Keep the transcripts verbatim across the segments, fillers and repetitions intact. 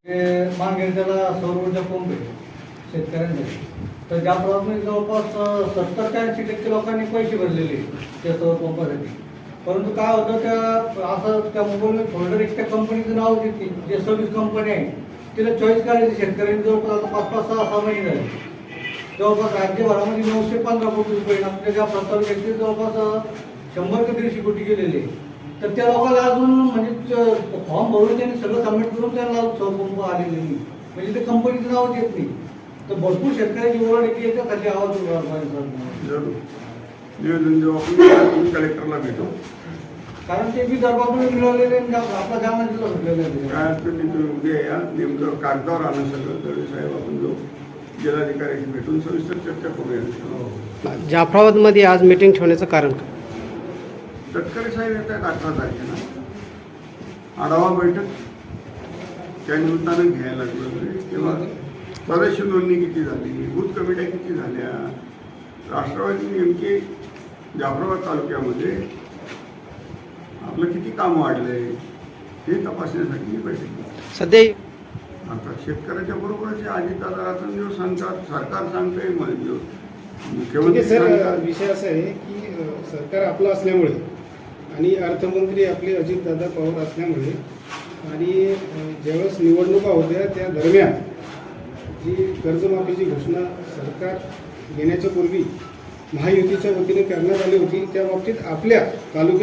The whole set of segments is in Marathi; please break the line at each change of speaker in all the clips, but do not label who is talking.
मागे त्याला सौर ऊर्जा पंप आहे शेतकऱ्यांसाठी. तर ज्या प्रमाणे जवळपास सत्तर ते ऐंशी टक्के लोकांनी पैसे भरलेले त्या सौर पंपासाठी. परंतु काय होतं, त्या असं त्या मोबाईल फोल्डर एक त्या कंपनीचं नाव देते, जे सर्व्हिस कंपनी आहे तिला चॉईस करायची शेतकऱ्यांनी. जवळपास आता पाच पाच सहा सहा महिने झाले. जवळपास राज्यभरामध्ये नऊशे पंधरा कोटी रुपये आपल्या ज्या प्रस्तावित व्यक्ती जवळपास शंभर ते दीडशे कोटी गेलेले. तर त्या लोकांना अजून म्हणजे फॉर्म भरून त्यांनी सगळं सबमिट करून त्यांना सौर पंप आलेले नाही, म्हणजे ते कंपनीचं नाव येत नाही. तर भरपूर शेतकऱ्यांची ओरड येते, याच्यासाठी आवाज उठवा पाहिजे.
नियोजन जेव्हा कलेक्टरला भेटू,
कारण ते बी दरबारमध्ये मिळवलेले आपला जामा जिल्हा भेटलेला आहे.
काय तुम्ही उद्या या, नेमकं कागदावर आणलं सगळं दळवे साहेब, आपण जो जिल्हाधिकाऱ्याशी भेटून सविस्तर चर्चा करूया.
जाफराबादमध्ये आज मीटिंग ठेवण्याचं कारण काय?
तटकरे साहेब येत आहेत अठरा तारखेला, आढावा बैठक त्या निमित्तानं घ्यायला लागलं. तेव्हा सदस्य नोंदणी किती झाली, बूथ कमिट्या किती झाल्या, राष्ट्रवादी नेमके जाफराबाद तालुक्यामध्ये आपलं किती काम वाढलंय हे तपासण्यासाठी ही बैठक घेतली.
सध्या
आता शेतकऱ्याच्या बरोबरच अजितदादा रात्रंदिवस सांगतात, सरकार सांगतंय, मुख्यमंत्री
सर
सांगतात.
विषय असा आहे की सरकार आपलं असल्यामुळे आणि अर्थमंत्री आपले अजितदादा पवार असल्यामुळे आणि ज्यावेळेस निवडणुका होत्या त्या दरम्यान जी कर्जमाफीची घोषणा सरकार घेण्याच्या पूर्वी महायुतीच्या वतीने करण्यात आली होती, त्या बाबतीत आपल्या तालुक्यात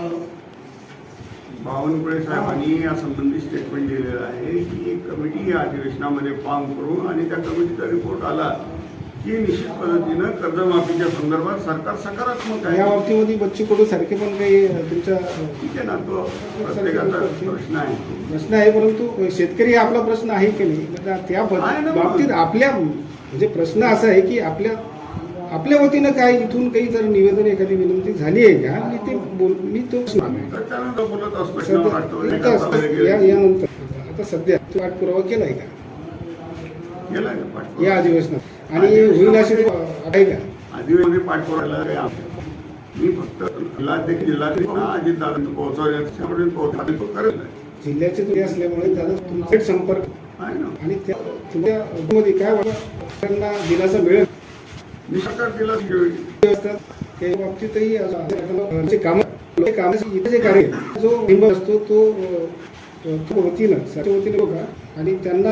बावनकुळे साहेबांनी यासंबंधी स्टेटमेंट दिलेलं आहे की एक कमिटी या अधिवेशनामध्ये फॉर्म करू आणि त्या कमिटीचा रिपोर्ट आला की निश्चित पद्धतीनं कर्जमाफीच्या संदर्भात सरकार सकारात्मक आहे.
या बाबतीमध्ये बच्चू कडू सारखे पण काही तुमच्या
ठीक आहे ना, तो प्रत्येकाचा प्रश्न आहे.
प्रश्न आहे, परंतु शेतकरी हा आपला प्रश्न आहे की नाही, त्या बाबतीत आपल्या म्हणजे प्रश्न असा आहे की आपल्या आपल्या वतीनं काय इथून काही जर निवेदन एखादी विनंती झाली आहे का, मी ते बोल मी तो
त्यानंतर बोलत असतो.
या यानंतर आता सध्या तो पाठपुरावा केलाय का
गेला
या अधिवेशनात आणि होईल अशी आहे का?
अधिवेशनामध्ये पाठपुरावा मी फक्त जिल्हाध्यक्ष जिल्हाधिकारी अजितदादा पोहोचवण्यापर्यंत पोहोचतो करेल.
जिल्ह्याचे तुम्ही असल्यामुळे त्याला तुमचा संपर्क
आहे ना,
आणि त्या तुमच्या मध्ये काय त्यांना दिलासा मिळेल
मी सरकार दिला
असतात त्या बाबतीतही काम कामाची इथे जे कार्य जो लिंब असतो तो तो वतीनं सरच्या वतीनं बघा आणि त्यांना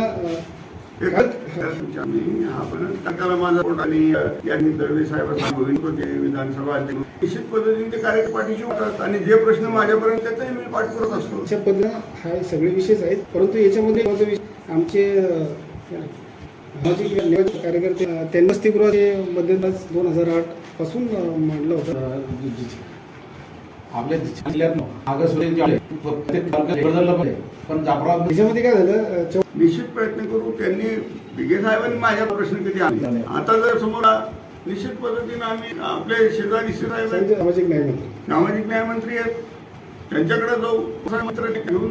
त्याला माझा पोट आणि यांनी दळवे साहेबांना होते विधानसभा निश्चित पद्धतीने ते कार्य पाठीशी होतात आणि जे प्रश्न माझ्यापर्यंत त्याचाही मी पाठपुरत असतो.
अशा पद्धतीनं हा सगळे विषयच आहेत, परंतु याच्यामध्ये आमचे सामाजिक कार्यकर्ते त्यांनी वसतिगृहाचे मध्यंतरी दोन हजार आठ पासून मांडलं होतं.
आपल्या जिल्ह्यात पण जाफराबाद
त्याच्यामध्ये काय झालं,
निश्चित प्रयत्न करू. त्यांनी बिगे साहेबांनी माझ्या प्रश्न किती आणले, आता जर समोर निश्चित पद्धतीनं आम्ही आपले शेजारी साहेब
सामाजिक न्याय मंत्री
सामाजिक न्याय मंत्री आहेत त्यांच्याकडे जाऊ मंत्र घेऊन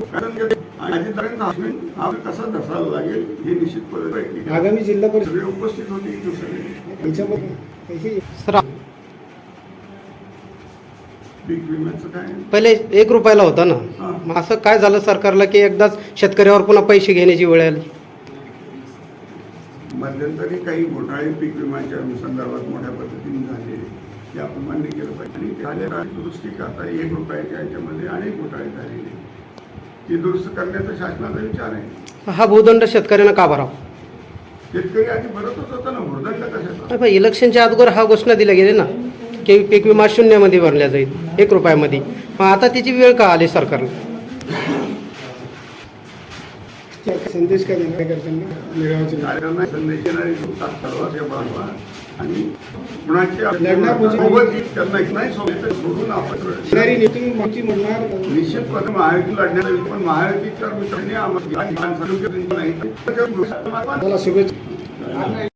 हा कसा धसायला लागेल हे निश्चित पद्धतीने
आगामी जिल्हा परिषद
सगळे उपस्थित होते. सगळे
याच्यामध्ये
सर
पीक विम्याचं काय
पहिले एक रुपयाला होता ना, मग असं काय झालं सरकारला की एकदाच शेतकऱ्यावर पुन्हा पैसे घेण्याची वेळ आली?
मध्यंतरी काही घोटाळे पीक विम्याच्या संदर्भात मोठ्या पद्धतीने झाले, ते आपण मान्य केलं पाहिजे. आणि झालेला दुरुस्ती करता एक रुपयाच्या याच्यामध्ये अनेक घोटाळे झालेले, ती दुरुस्त करण्याचा शासनाचा विचार आहे.
हा भूदंड शेतकऱ्यांना का भरावा?
शेतकरी आधी भरतच होता ना, भूदंड कशाचा?
पण इलेक्शनच्या अगोदर हा घोषणा दिल्या गेली ना की पीक विमा शून्यामध्ये भरल्या जाईल एक रुपयामध्ये, मग आता त्याची वेळ का आली सरकारला?
संदेश काय देणार करताना मेळाव्याचे
कार्यकर्त्यांना संदेश देणारे सर्वांचे बाळवा आणि कुणाची
लढण्यापूर्वी
त्यांना नाही सोडून आपण
नीती माहिती म्हणणार
निश्चितपणे महायुती लढण्याचा पण महायुतीच्या मित्रांनी आम्हाला
शुभेच्छा.